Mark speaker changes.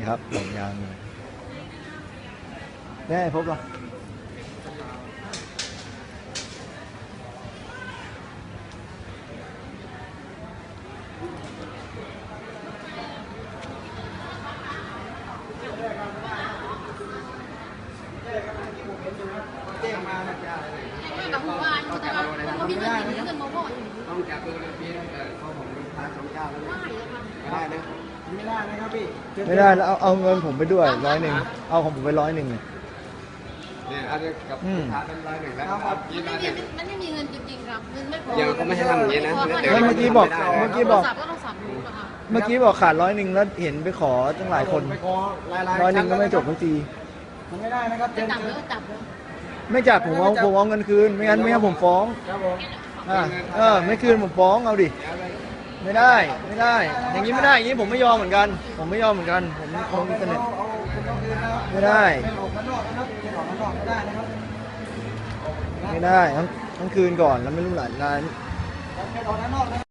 Speaker 1: ครับผมยังแน่พบหรอ
Speaker 2: กับผู้ว่าอยู่แต่ว่าเขามีเงินกินเงินมาบ่อย
Speaker 3: ต้องจับตัวเพี้ยนเขาผมพา2 เจ้าแล้ว
Speaker 2: ไม่เลยค่ะ
Speaker 3: ไม่ได้นะไม่ได้นะครับพี่
Speaker 1: ไม่ได้แล้วเอาเงินผมไปด้วย100เอาของผมไป100เนี่ย
Speaker 3: เนี่ยอันนี้กับพาเป็น100แล้วครับ
Speaker 2: มันไม่มีเงินจริงๆครับเงินไม่พอ
Speaker 3: ยังก็ไม่ให้ทำอย่างนี้นะ
Speaker 1: เมื่อกี้บอก
Speaker 2: ก็ต้องสับดูค่ะ
Speaker 1: เมื่อกี้บอกขาด100แล้วเห็นไปขอตั้งหลายคน
Speaker 3: ไปขอ100
Speaker 1: ก็ไม่จบทุกที
Speaker 3: มันไม่ได้นะครับ
Speaker 2: จะจับเลยก็จับเลย
Speaker 1: ไม่จับผมเอาเงินคืนไม่งั้นผมฟ้อง
Speaker 3: ครับผม
Speaker 1: ไม่คืนผมฟ้องเอาดิไม่ได้อย่างนี้ไม่ได้อย่างนี้ผมไม่ยอมเหมือนกันผมไม่เสนอไม่ได้ต้องคืนก่อนแล้วไม่รู้หลาย